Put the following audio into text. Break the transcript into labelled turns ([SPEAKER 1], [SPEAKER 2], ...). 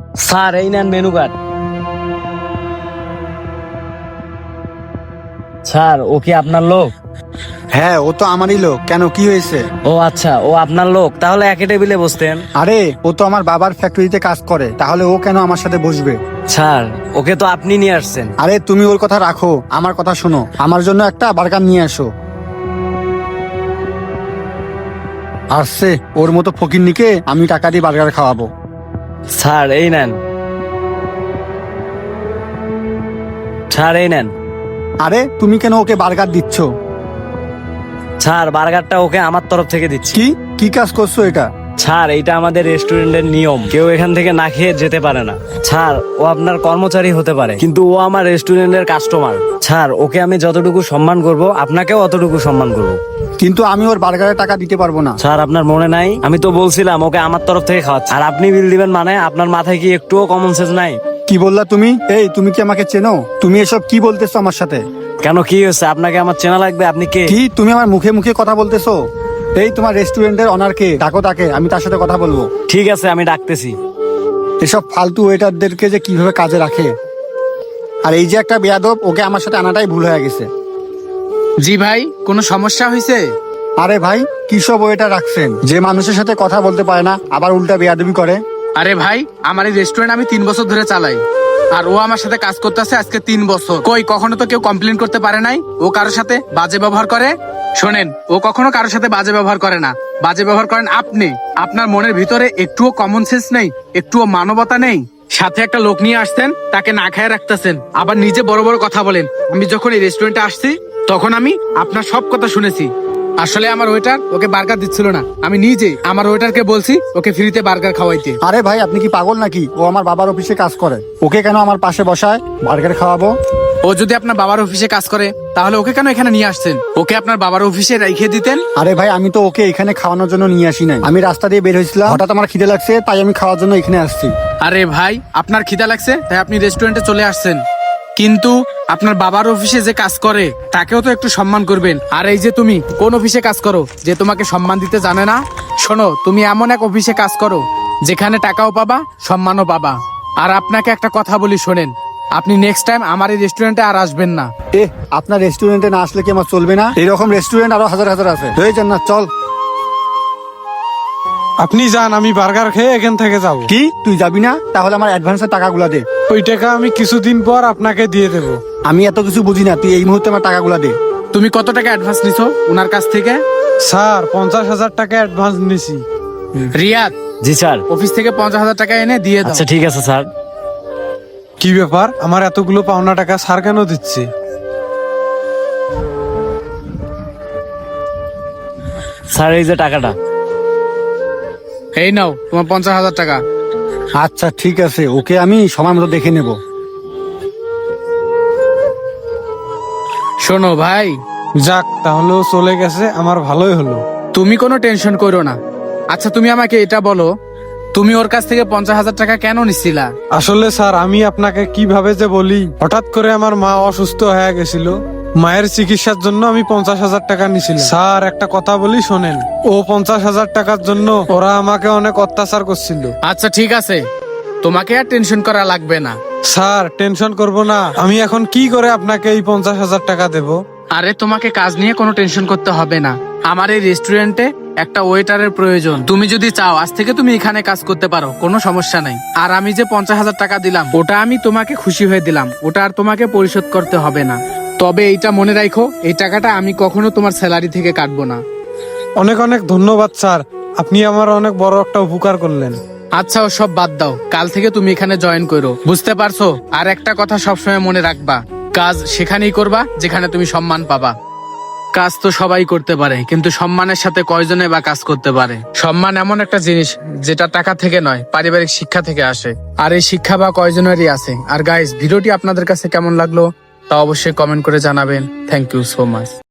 [SPEAKER 1] Sir এই নেন menu card. Sir ও কি আপনার লোক?
[SPEAKER 2] হ্যাঁ, ও তো আমারই লোক। কেন, কি হয়েছে?
[SPEAKER 1] ও আচ্ছা, ও আপনার লোক, তাহলে একই টেবিলে বসতেন।
[SPEAKER 2] আরে, ও তো আমার বাবার ফ্যাক্টরিতে কাজ করে, তাহলে ও কেন আমার সাথে বসবে?
[SPEAKER 1] স্যার ওকে তো আপনি নিয়ে আসছেন।
[SPEAKER 2] আরে, তুমি ওর কথা রাখো, আমার কথা শোনো। আমার জন্য একটা বার্গার নিয়ে আসো। আসছে, ওর মতো ফকিন্নিকে আমি টাকা দিয়ে বার্গার খাওয়াবো।
[SPEAKER 1] স্যার এই নেন। স্যার এই নেন।
[SPEAKER 2] আরে, তুমি কেন ওকে বার্গার দিচ্ছ?
[SPEAKER 1] স্যার বার্গারটা ওকে আমার তরফ থেকে দিচ্ছি।
[SPEAKER 2] কি কি কাজ করছো এটা?
[SPEAKER 1] স্যার এইটা আমাদের রেস্টুরেন্টের নিয়ম, কেউ এখান থেকে না খেয়ে যেতে পারে না। স্যার ও আপনার কর্মচারী হতে পারে, কিন্তু ও আমার রেস্টুরেন্টের কাস্টমার। স্যার ওকে আমি যতটুকু সম্মান করব, আপনাকেও অতটুকু সম্মান করব।
[SPEAKER 2] কিন্তু আমি ওর বার্গারের টাকা দিতে পারবো না।
[SPEAKER 1] স্যার আপনার মনে নাই? আমি তো বলছিলাম ওকে আমার তরফ থেকে খাওয়াচ্ছি, আর আপনি বিল দিবেন মানে? আপনার মাথায় কি একটুও কমন সেন্স নাই?
[SPEAKER 2] কি বললা তুমি? এই, তুমি কি আমাকে চেনো? তুমি এসব কি বলতেছো আমার সাথে?
[SPEAKER 1] কেন, কি হয়েছে? আপনাকে আমার চেনা লাগবে? আপনি কে?
[SPEAKER 2] কি তুমি আমার মুখে মুখে কথা বলতেছো? এই, তোমার রেস্টুরেন্টের অনারকে ডাকো, তাকে, আমি তার সাথে কথা বলবো।
[SPEAKER 1] ঠিক আছে, আমি ডাকতেছি।
[SPEAKER 2] এসব ফালতু ওয়েটারদেরকে যে কিভাবে কাজে রাখে। আর এই যে একটা বেয়াদব, ওকে আমার সাথে আনাটাই ভুল হয়ে গেছে।
[SPEAKER 3] জি ভাই, কোনো সমস্যা হয়েছে?
[SPEAKER 2] আরে ভাই, কি সব ওয়েটার রাখছেন যে মানুষের সাথে কথা বলতে পারে না, আবার উল্টা বেয়াদবি করে?
[SPEAKER 3] আরে ভাই, আমার এই রেস্টুরেন্ট আমি 3 বছর ধরে চালাই, আর ও আমার সাথে কাজ করতেছে আজকে 3 বছর। কই কখনো তো কেউ কমপ্লেন করতে পারে নাই ও কারোর সাথে বাজে ব্যবহার করে? শোনেন, ও কখনো কারোর সাথে বাজে ব্যবহার করে না। বাজে ব্যবহার করেন আপনি। আপনার মনের ভিতরে একটুও কমন সেন্স নেই, একটুও মানবতা নেই। সাথে একটা লোক নিয়ে আসতেন, তাকে না খায় রাখতেছেন, আবার নিজে বড় বড় কথা বলেন। আমি যখন এই রেস্টুরেন্টে আসছি, তখন আমি আপনার সব কথা শুনেছি। আসলে আমার ওয়েটার ওকে বার্গার দিচ্ছিল না, আমি নিজে আমার ওয়েটারকে বলছি ওকে ফ্রিতে বার্গার খাওয়াইতে।
[SPEAKER 2] আরে ভাই, আপনি কি পাগল নাকি? ও আমার বাবার অফিসে কাজ করে, ওকে কেন আমার পাশে বসায় বার্গার খাওয়াবো?
[SPEAKER 3] ও যদি আপনার বাবার অফিসে কাজ করে, তাহলে ওকে কেন এখানে নিয়ে আসছেন? ওকে আপনার বাবার অফিসে রেখে দিতেন।
[SPEAKER 2] আরে ভাই, আমি তো ওকে এখানে খাওয়ানোর জন্য নিয়ে আসি নাই। আমি রাস্তা দিয়ে বের হয়েছিলাম, হঠাৎ আমার খিদে লাগছে, তাই আমি খাওয়ার জন্য এখানে আসছি।
[SPEAKER 3] আরে ভাই, আপনার খিদা লাগছে তাই আপনি রেস্টুরেন্টে চলে আসছেন, কিন্তু আপনার বাবার অফিসে যে কাজ করে তাকেও তো একটু সম্মান করবেন। আর এই যে তুমি কোন অফিসে কাজ করো যে তোমাকে সম্মান দিতে জানে না? শোনো, তুমি এমন এক অফিসে কাজ করো যেখানে টাকাও পাবা, সম্মানও পাবা। আর আপনাকে একটা কথা বলি, শোনেন, আপনি নেক্সট টাইম আমার এই রেস্টুরেন্টে আর আসবেন না।
[SPEAKER 2] আপনার রেস্টুরেন্টে না আসলে কি আমার চলবে না? এরকম রেস্টুরেন্ট আরো হাজার হাজার আছে। হয়ে যান না, চল।
[SPEAKER 4] আপনি যান, আমি বার্গার খেয়ে এখান থেকে যাব।
[SPEAKER 2] কি, তুই যাবি না? তাহলে আমার অ্যাডভান্সের টাকাগুলা দে।
[SPEAKER 4] ওই টাকা আমি কিছুদিন পর আপনাকে দিয়ে দেব।
[SPEAKER 2] আমি এত কিছু বুঝি না, তুই এই মুহূর্তে আমার টাকাগুলা দে।
[SPEAKER 3] তুমি কত টাকা অ্যাডভান্স নিছো ওনার কাছ থেকে?
[SPEAKER 4] স্যার 50,000 টাকা অ্যাডভান্স নিছি।
[SPEAKER 3] রিয়াদ,
[SPEAKER 1] জি স্যার।
[SPEAKER 3] অফিস থেকে 50,000 টাকা এনে দিয়ে দাও।
[SPEAKER 1] আচ্ছা ঠিক আছে স্যার।
[SPEAKER 4] কি ব্যাপার, আমার এতগুলো পাওনা টাকা স্যার কেন দিচ্ছে?
[SPEAKER 1] স্যার এই যে টাকাটা।
[SPEAKER 3] এই নাও তোমার 50,000 টাকা।
[SPEAKER 2] আচ্ছা ঠিক আছে, ওকে আমি সময় মতো দেখে নেব।
[SPEAKER 3] শোনো ভাই,
[SPEAKER 4] যাক, তাহলেও চলে গেছে, আমার ভালোই হলো।
[SPEAKER 3] তুমি কোনো টেনশন করো না। আচ্ছা তুমি আমাকে এটা বলো, তুমি ওর কাছ থেকে 50,000 টাকা কেন নিছিলা?
[SPEAKER 4] আসলে স্যার, আমি আপনাকে কিভাবে যে বলি, হঠাৎ করে আমার মা অসুস্থ হয়ে গেছিল, মায়ের চিকিৎসার জন্য আমি 50,000 টাকা নিছিলাম। স্যার একটা কথা বলি শোনেন, ও 50,000 টাকার জন্য ওরা আমাকে অনেক অত্যাচার করছিল।
[SPEAKER 3] আচ্ছা ঠিক আছে, তোমাকে আর টেনশন করা লাগবে না।
[SPEAKER 4] স্যার টেনশন করব না, আমি এখন কি করে আপনাকে এই 50,000 টাকা দেব?
[SPEAKER 3] আরে তোমাকে কাজ নিয়ে কোনো টেনশন করতে হবে না। আমার এই রেস্টুরেন্টে একটা ওয়েটারের প্রয়োজন। তুমি যদি চাও আজ থেকে তুমি এখানে কাজ করতে পারো, কোনো সমস্যা নাই। আর আমি যে 50,000 টাকা দিলাম, ওটা আমি তোমাকে খুশি হয়ে দিলাম, ওটা আর তোমাকে পরিশোধ করতে হবে না। তবে এইটা মনে রাখো, এই টাকাটা আমি কখনো তোমার স্যালারি থেকে কাটবো না।
[SPEAKER 4] অনেক অনেক ধন্যবাদ স্যার, আপনি আমার অনেক বড় একটা উপকার করলেন।
[SPEAKER 3] আচ্ছা ও সব বাদ দাও, কাল থেকে তুমি এখানে জয়েন করো, বুঝতে পারছো? আর একটা কথা সবসময় মনে রাখবা, কাজ সেখানেই করবা যেখানে তুমি সম্মান পাবা। কাজ তো সবাই করতে পারে, কিন্তু সম্মানের সাথে কয়জনে বা কাজ করতে পারে? সম্মান এমন একটা জিনিস যেটা টাকা থেকে নয়, পারিবারিক শিক্ষা থেকে আসে। আর এই শিক্ষা বা কয়জনেরই আছে। আর গাইস, ভিডিওটি আপনাদের কাছে কেমন লাগলো তা অবশ্যই কমেন্ট করে জানাবেন। Thank you so much.